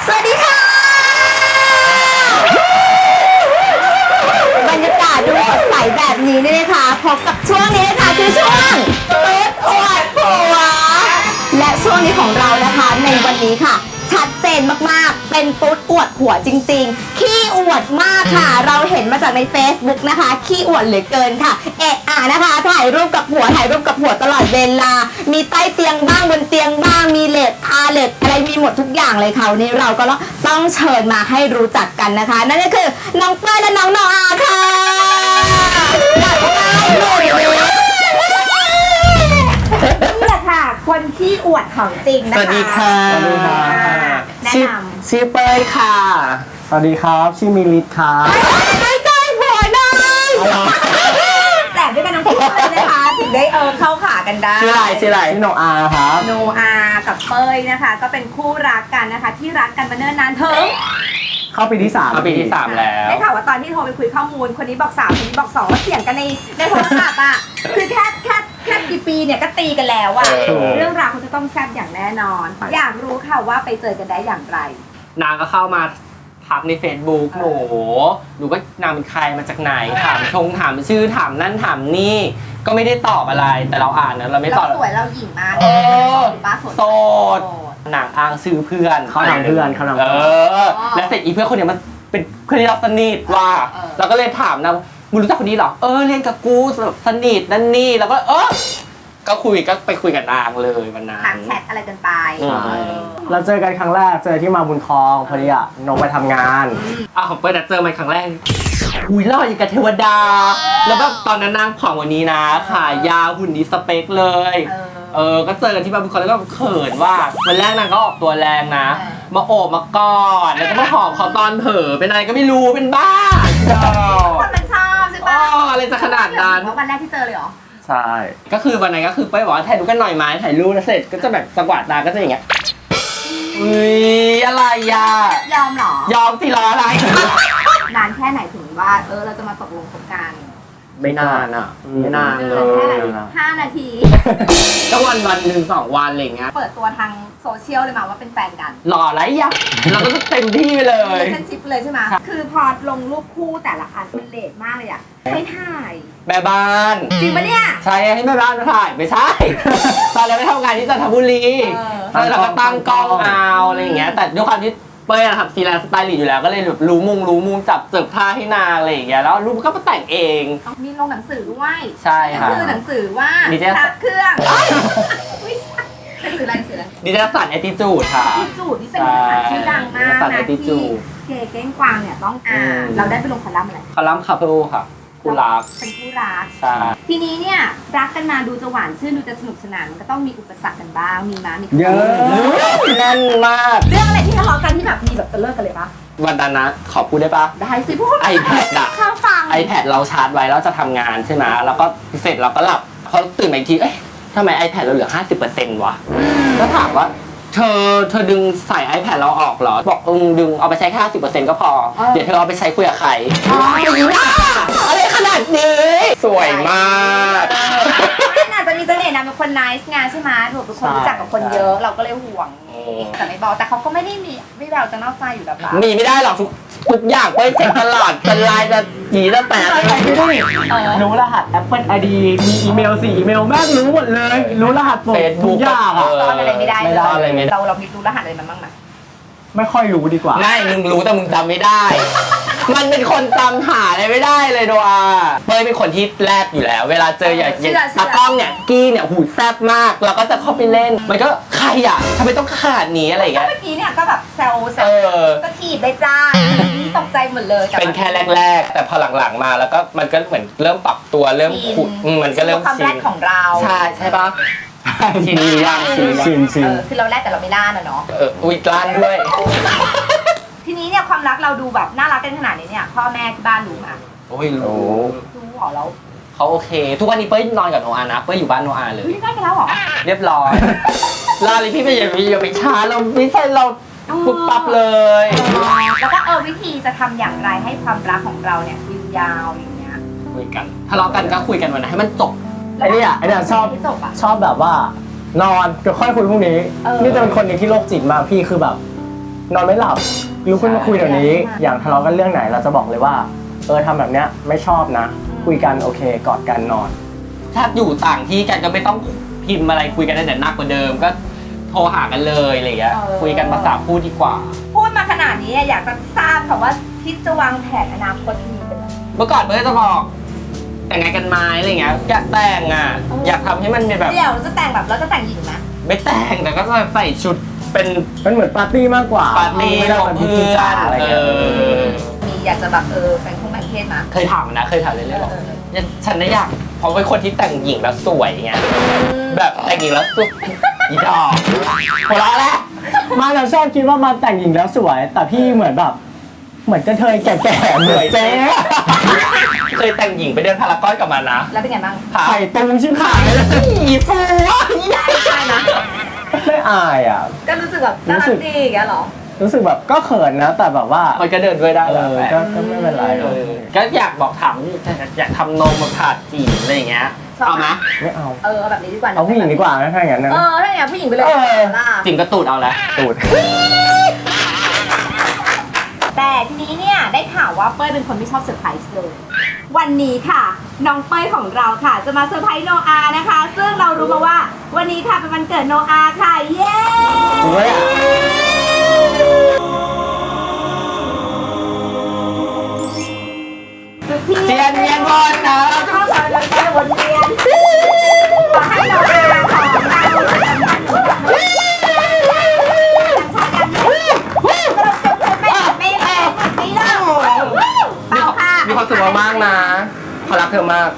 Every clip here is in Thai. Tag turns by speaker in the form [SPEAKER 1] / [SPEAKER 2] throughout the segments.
[SPEAKER 1] สวัสดีค่ะบรรยากาศดูสดใสแบบนี้นี่นะคะพบกับช่วงนี้นะคะคือช่วงตุ๊ดอวดผัวและช่วงนี้ของเรานะคะในวันนี้ค่ะชัดเจนมากๆเป็นตุ๊ดอวดผัวจริงๆขี้อวดมากค่ะเราเห็นมาจากใน Facebook นะคะขี้อวดเหลือเกินค่ะนะคะถ่ายรูปกับผัวตลอดเวลามีใต้เตียงบ้างบนเตียงบ้างมีเหล็กอะไรมีหมดทุกอย่างเลยค่ะวันนี้เราก็ต้องเชิญมาให้รู้จักกันนะคะนั่นก็คือน้องเป้ยและน้องโนอาค่ะนี่แหละค่ะคนขี้อวดของจริงนะคะ
[SPEAKER 2] สวัสดีค่ะ
[SPEAKER 3] สวัสดีค่ะ
[SPEAKER 1] แนะนำ
[SPEAKER 2] ชื่อเป้ยค่ะ
[SPEAKER 3] สวัสดีครับชื่อมิลิตครับ
[SPEAKER 1] ไม่ใจผัวเลยแต่ด้วยกันน้องพี่เลยนะคะถึงได้เข้าขากันได้
[SPEAKER 2] ชื่ออะไร
[SPEAKER 3] ชื่อโนอาครับ
[SPEAKER 1] โนอากับเป้ยนะคะก็เป็นคู่รักกันนะคะที่รักกันมาเนิ่นนานถึง
[SPEAKER 3] เข้าปีที่3
[SPEAKER 2] เอาปีที่ 3 แล้ว
[SPEAKER 1] ได้ข่าวว่าตอนที่โทรไปคุยข้อมูลคนนี้บอก3คนนี้บอก2ว่าเถียงกันในโทรศัพท์อ่ะคือแค่กี่ปีเนี่ยก็ตีกันแล้วอ่ะเรื่องราวเขาจะต้องแซ่บอย่างแน่นอน อยากรู้ค่ะว่าไปเจอกันได้อย่างไร
[SPEAKER 2] นางก็เข้ามาทักใน Facebook หนูก็นางเป็นใครมาจากไหนถามชื่อถามนั่นถามนี่ก็ไม่ได้ตอบอะไรแต่เราอ่านนะเราไม่ตอบ
[SPEAKER 1] เราสวยเราหญิงมากบ้าโสด
[SPEAKER 2] โสดนางอ้างชื่อเพื่อน
[SPEAKER 3] เขาทำเพื่อน
[SPEAKER 2] แล้วเสร็จอีเพื่อนคนเนี้ยมันเป็นเพื่อนที่เราสนิทว่าเราก็เลยถามนะมึงรู้จักคนนี้เหรอเรียนกับกูสนิทนั่นนี่แล้วก็ก็ไปคุยกับนางเลยวันนั้น
[SPEAKER 1] ถามแชทอะไรกันไป
[SPEAKER 3] เราเจอกันครั้งแรกเจอที่มาบุญคลองพอดีอะน้องไปทำงาน
[SPEAKER 2] ของเปิ้ลเจอมันครั้งแรกหล่ออย่างกับเทวดา แล้วแบบตอนนั้นนางผอมกว่านี้นะขายาวหุ่นดีสเปคเลยก็เจอกันที่มาบุญคลองแล้วก็เขินว่าวันแรกนางก็ออกตัวแรงนะมาโอบมากอดแล้วก็มาหอมเขาตอนเผลอเป็นอะไรก็ไม่รู้เป็นบ้า
[SPEAKER 1] คนมันชอบใช่ปะ
[SPEAKER 2] อะไรจะขนาดนั้น
[SPEAKER 1] วันแรกที่เจอเลยเหรอ
[SPEAKER 3] ใช่
[SPEAKER 2] ก็คือวันนั้นก็คือเป้ยบอกว่าถ่ายรูปกันหน่อยไหมถ่ายรูปแล้วเสร็จก็จะแบบจังหวะตาก็จะอย่างเงี้ยอะไรอ่ะ
[SPEAKER 1] ยอมเหรอย
[SPEAKER 2] อมสิรออะไร
[SPEAKER 1] นานแค่ไหนถึงว่าเราจะมาตกลงคบกัน
[SPEAKER 2] ไม่นานอ่ะไม่นานเล
[SPEAKER 1] แค่ไหน
[SPEAKER 2] ย
[SPEAKER 1] 5 นาที
[SPEAKER 2] ก็วันหนึ่ง2 วันอะไรอย่างเงี้ย
[SPEAKER 1] เปิดตัวทางโซเชียลเลยมาว่าเป็นแฟนกัน
[SPEAKER 2] หล่อไรยะเราก็จะเต็มที่ไปเลย
[SPEAKER 1] relationship เลยใช่ไหมคือพอลงรูปคู่แต่ละอันมันเลทมากเลยอ่ะไม่ถ่าย
[SPEAKER 2] แม่บ้าน
[SPEAKER 1] จริงปะเนี่ย
[SPEAKER 2] ใช่ให้แม่บ้านมาถ่ายไม่ใช่ ตอนเราไปทำงานที่จันทบุรีเราก็ตั้งกล้องเอาอะไรอย่างเงี้ยแต่ด้วยความที่เป้ยทำฟรีแลนซ์สไตลิสต์อยู่แล้วก็เลยแบบรู้มุมจับเสิร์ฟผ้าให้นางอะไรอย่างเงี้ยแล้วรูปก็มาแต่งเอง
[SPEAKER 1] มีลงหนังสือด้วย
[SPEAKER 2] ใช่ค่ะ
[SPEAKER 1] คือหนังสือว่า
[SPEAKER 2] นิตยสาร
[SPEAKER 1] พระเครื่องหนังสืออะไรหนังสืออะไร
[SPEAKER 2] ดิจิทัลสันแอตติจูดค่ะ
[SPEAKER 1] ที่จูดที่เป็นภาษาชื่อดังมาก
[SPEAKER 2] ใช่
[SPEAKER 1] นะ
[SPEAKER 2] ที่
[SPEAKER 1] ที่เกเก้งกวางเนี่ยต้องอ่านเราได้ไปลงคอลัมน์อะไร
[SPEAKER 2] คอลัมน์คาเพิลค่ะคู่รัก
[SPEAKER 1] เป็นคู่รัก
[SPEAKER 2] ใช่
[SPEAKER 1] ทีนี้เนี่ยรักกันมาดูจะหวานชื่นดูจะสนุกสนานมันก็ต้องมีอุปสรรคกันบ้างมีมั้ยมี
[SPEAKER 3] เยอะ
[SPEAKER 2] แน่นมาก
[SPEAKER 1] เรื่องอะไรที่ทะเลาะกันที่แบบมีแบบจะเลิกกันเลยปะ
[SPEAKER 2] วันนั้นนะขอพูดได้ปะ
[SPEAKER 1] ได้สิพูด
[SPEAKER 2] iPad อะ
[SPEAKER 1] ข้างฟัง
[SPEAKER 2] iPad เราชาร์จไว้แล้วจะทำงานใช่ไหมแล้วก็เสร็จเราก็หลับพอตื่นมาอีกทีเอ๊ะทำไม iPad เราเหลือ 50% วะก็ถามว่าเธอดึงใส่ iPad เราออกเหรอบอกดึงเอาไปใช้แค่ 50% ก็พอเดี๋ยวเธอเอาไปใช้คุยกับใครอะไรขนาดนี้สวยมาก
[SPEAKER 1] อาจจะมีเสน่ห์นะเป็นคน nice งานใช่ไหมถูกเป็นคนรู้จักกับคนเยอะเราก็เลยห่วงแต่ไม่บอกแต่เขาก็ไม่ได้มีไม่แววจะนอกใจอยู่แบบนั้น
[SPEAKER 2] มีไม่ได้หรอกทุกอย่างเป้ยเช็คตลอดเป็นไลน์จะหยีจะแตก
[SPEAKER 3] รู้รหัส Apple ID มีอีเมล4 อีเมลแม่งรู้หมดเลยรู้รหัสหมดทุกอย่างอะ
[SPEAKER 1] ซ่อนอะไรไม่ได้
[SPEAKER 2] ไม่ได้อะไรไม่ได้
[SPEAKER 1] เรามีรู้รหัสอะไรมันบ้างไหม
[SPEAKER 3] ไม่ค่อยรู้ดีกว่า
[SPEAKER 2] ไม่มึงรู้แต่มึงจำไม่ได้ มันเป็นคนจำหาอะไรไม่ได้เลยโดอาเป้ยเป็นคนที่แรบอยู่แล้ว เวลาเจออย่างตากล้องเนี่ยกี้เนี่ยหูแซบมากเราก็จะเข้าไปเล่นมันก็ใครอ่ะทำไมต้องขนาดนี้อะไรอย่างเงี้ย
[SPEAKER 1] เมื่อกี้เนี่ยก็แบบแซวก็ถีบไปจ้าตกใจหมดเลย
[SPEAKER 2] เป็นแค่แรกๆ แต่พอหลังๆมาแล้วก็มันก็เหมือนเริ่มปรับตัวเริ่มขุดมันก็เริ่ม
[SPEAKER 1] ความ
[SPEAKER 2] ชิ
[SPEAKER 1] แร
[SPEAKER 2] น
[SPEAKER 1] กของเรา
[SPEAKER 2] ใช่ปะชินยัง
[SPEAKER 3] ชิน
[SPEAKER 1] คือเราแรกแต่เราไม่ล่านะเนาะ
[SPEAKER 2] อุ๊ยกล้านด้วย
[SPEAKER 1] ทีนี้เนี่ยความรักเราดูแบบน่ารักกันขนาดนี้เนี่ยพ่อแม่ที่บ้านรู้ไหม
[SPEAKER 2] โอ้ยรู้
[SPEAKER 1] รู้หรอแล้ว
[SPEAKER 2] เขาโอเค ทุกวันนี้เป้ยนอนกับโนอานะเป้ยอยู่บ้านโนอาเลย
[SPEAKER 1] ไม่ได้กันแล้วหรอ
[SPEAKER 2] เรียบร้อยลาเลยพี่ไปอย่าไปช้าเราไม่ใช่เราปุ๊บปั๊บเลย
[SPEAKER 1] แล้วก็วิธีจะทำอย่างไรให้ความรักของเราเนี่ยยืนยาวอย่างเงี้ย
[SPEAKER 2] คุยกันทะเลาะกันก็คุยกันวันไหนให้มันจบ
[SPEAKER 3] ไอ้เนี่ยชอบ
[SPEAKER 1] จบอ่ะ
[SPEAKER 3] แบบว่านอนก็ค่อยคุยพรุ่งนี้นี่จะเป็นคนหนึ่งที่โรคจิตมากพี่คือแบบนอนไม่หลับลุกขึ้นมาคุยเดี๋ยวนี้ อย่างทะเลาะกันเรื่องไหนเราจะบอกเลยว่าทำแบบเนี้ยไม่ชอบนะ คุยกันโอเคกอดกันนอน
[SPEAKER 2] ถ้าอยู่ต่างที่กันก็ไม่ต้องพิมพ์อะไรคุยกันได้แต่หนักกว่าเดิมก็โทรหากันเลยอะไรเงี้ยคุยกันภาษาพูดดีกว่า
[SPEAKER 1] พูดมาขนาดนี้อยากจะทราบค่ะว่าคิดจะวางแผนอนาคตมีเป็นอะไร
[SPEAKER 2] เมื่อก่อนเมื่อจะบอกแต่งงานกันไหมอะไรเงี้ยอยากแต่งอ่ะอยากทำให้มันเป็นแบบ
[SPEAKER 1] เดี๋ยวเราจะแต่งแบบเราจะแต่งหญิงไหม
[SPEAKER 2] ไม่แต่งแต่ก็ใส่ชุดเป็น
[SPEAKER 3] มันเหมือนปาร์ตี้มากกว่า
[SPEAKER 2] ปาร์ตี้
[SPEAKER 3] ไม่ได้
[SPEAKER 2] ของ
[SPEAKER 3] แบบพิ
[SPEAKER 2] เพื่
[SPEAKER 3] ธี
[SPEAKER 2] อ
[SPEAKER 3] จ๋าน อะไรเงี้ย
[SPEAKER 1] มีอยากจะแบบแบ่งเพศนะ
[SPEAKER 2] เคยถามนะเคยถามเรื่อยๆบอกฉันน่ะอยากเพราะเป็นคนที่แต่งหญิงแล้วสวยไงแบบแต่งหญิงแล้วสวยอีดอกหัวเราะแล้ว
[SPEAKER 3] มาเราชอบคิดว่ามาแต่งหญิงแล้วสวย แต่พี่เหมือนแบบเหมือนกระเทยแก่ๆเหมือนเจ๊
[SPEAKER 2] เคยแต่งหญิงไปเดินพารากอนกับมันนะ
[SPEAKER 1] แล้วเป็นไงบ้าง
[SPEAKER 2] ค่ะ
[SPEAKER 3] ไข่ตุงชิบหายเลย
[SPEAKER 2] อีฟูอ่ะ
[SPEAKER 1] ใช่นะ
[SPEAKER 3] ไม่อายอ่ะ
[SPEAKER 1] ก็รู้สึกแบบน่ารักดีอย่างเงี้ยเหรอ
[SPEAKER 3] รู้สึกแบบก็เขินนะ แต่แบบว่า
[SPEAKER 2] มันก็เดินด้วยได้แหละ
[SPEAKER 3] ก็ไม่เป็นไรหรอก
[SPEAKER 2] ก็อยากบอกถามอยากทำนมมาผ่าจีบอะไรอย่างเงี้ยเอาไหม
[SPEAKER 3] ไม่เอา
[SPEAKER 1] เอาแบบนี้ดีกว่านะ
[SPEAKER 3] เอาผู้หญิงดีกว่านะถ้าอย่างนั้นนะ
[SPEAKER 1] ถ้าอย่างนั้นผู้หญิงไปเลยล่ะ
[SPEAKER 2] จริงก็ตูดเอาแล้ว
[SPEAKER 3] ตูด
[SPEAKER 1] แต่ทีนี้เนี่ยได้ข่าวว่าเป้ยเป็นคนไม่ชอบเซอร์ไพรส์เลย วันนี้ค่ะน้องเป้ยของเราค่ะ จะมาเซอร์ไพรส์โนอานะคะ ซึ่งเรารู้มาว่าวันนี้ค่ะเป็นวันเกิดโนอาค่ะ เย้
[SPEAKER 3] จริงไหมอ่ะ
[SPEAKER 2] เจียนเยียนบอลนะ
[SPEAKER 1] เข้ามาเลยไปวนเวียนขอให้โนอาของเราเป่าค่ะ
[SPEAKER 2] มีความสุขมากๆนะเขารักเธอมาก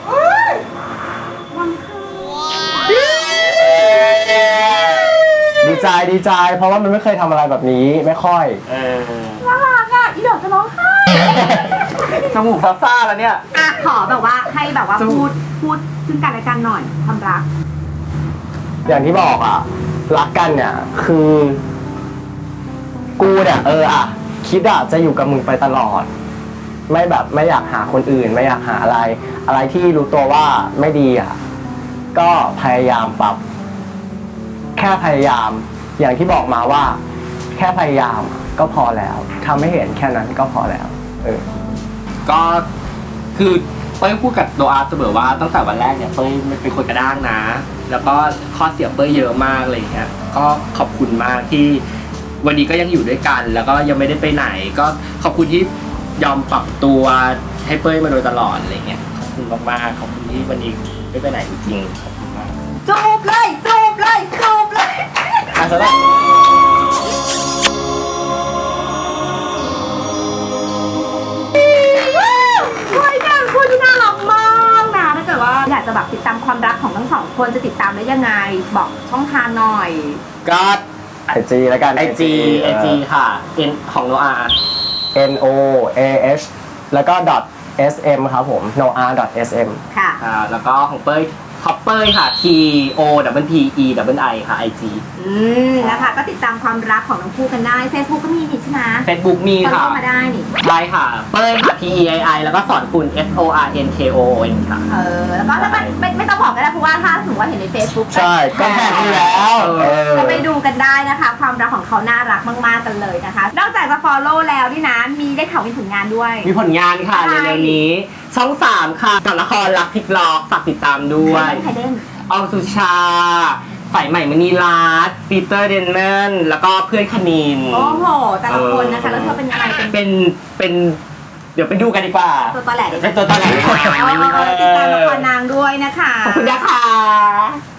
[SPEAKER 3] ดีใจ เพราะว่ามันไม่เคยทำอะไรแบบนี้ไม่ค่อย
[SPEAKER 1] น่ารักอ่ะอีดอกจะร้องไห้
[SPEAKER 2] จมูกซ่าๆแล้วเนี่ย
[SPEAKER 1] อ่ะขอแบบว่าให้แบบว่าพูดซึ่งกันและกันหน่อยความรัก
[SPEAKER 3] อย่างที่บอกอ่ะ รักกันเนี่ย คือ กูเนี่ยคิดอ่ะจะอยู่กับมึงไปตลอด ไม่แบบไม่อยากหาคนอื่น ไม่อยากหาอะไร อะไรที่รู้ตัวว่าไม่ดีอ่ะ ก็พยายามปรับ แค่พยายาม อย่างที่บอกมาว่า แค่พยายามก็พอแล้วทำให้เห็นแค่นั้นก็พอแล้ว
[SPEAKER 2] ก็คือเป้ยพูดกับโดอาเสมอว่าตั้งแต่วันแรกเนี่ยเป้ยเป็นคนกระด้างนะ แล้วก็ข้อเสียเป้ยเยอะมากอะไรอย่างเงี้ยก็ขอบคุณมากที่วันนี้ก็ยังอยู่ด้วยกัน แล้วก็ยังไม่ได้ไปไหน ก็ขอบคุณที่ยอมปรับตัวให้เป้ยมาโดยตลอดอะไรเงี้ยขอบคุณมากๆขอบคุณที่วันนี้ไม่ไปไหนจริงๆขอบคุณมาก
[SPEAKER 1] จูบเลยจูบเลยจูบเลย
[SPEAKER 2] สำหรับ
[SPEAKER 1] เฮ้ยเนี่ยคู่ที่น่ารักมากนะถ้าเกิดว่าอยากจะแบบติดตามความรักของทั้งสองคนจะติดตามได้ยังไงบอกช่องทางหน่อย
[SPEAKER 2] ก็
[SPEAKER 3] IG แล้วกัน
[SPEAKER 2] IG ค่ะ N ของโนอา
[SPEAKER 3] NOAH แล้วก็ .sm ครับผม noah.sm
[SPEAKER 1] ค่ะ
[SPEAKER 2] แล้วก็ของเป้ยท็อปเป้ยค่ะ TOPPEI ค่ะ IG
[SPEAKER 1] นะคะก็ติดตามความรักของทั้งคู่กันได้ Facebook ก็มีนี่ใช่ไหม
[SPEAKER 2] Facebook มี
[SPEAKER 1] ฟอล
[SPEAKER 2] ค่ะ
[SPEAKER 1] โล่มาได้นี่
[SPEAKER 2] ได้ค่ะ เป้ยค่ะ PEII แล้วก็สอนคุณ SORNKON ค่ะ
[SPEAKER 1] แล้วก็ถ้าไม่ต้องบอกก็ได้เพราะว่าถ้าสมมติว่าเห็นใน Facebook
[SPEAKER 3] ใช่ก็แท็กอยู่แล้ว
[SPEAKER 1] ก็ไปดูกันได้นะคะ ความรักของเขาน่ารักมากๆกันเลยนะคะ นอกจากจะ follow แล้วนี่นะ มีได้ข่าวมีผลงานด้วย
[SPEAKER 2] มีผลงานค่ะ
[SPEAKER 1] ใช่
[SPEAKER 2] เร็วๆนี้ ช่อง 3 ค่ะกับละครรักพลิกล็อกฝากติดตามด้วย
[SPEAKER 1] ใครเล่น
[SPEAKER 2] ออมสุชาฝ่ายใหม่มณีรัตน์ปีเตอร์เดนเนนแล้วก็เพื่อนคณิน
[SPEAKER 1] โอ้โห แต่ละคนนะคะ แล้วเธอเป็นยังไงเป็น
[SPEAKER 2] เป็นเดี๋ยวไปดูกันดีกว่า
[SPEAKER 1] ตัวตอแหลดี
[SPEAKER 2] เป็นตัวตอนไหน
[SPEAKER 1] ติดตามละครนางด้วยนะคะ
[SPEAKER 2] ขอบคุณนะคะ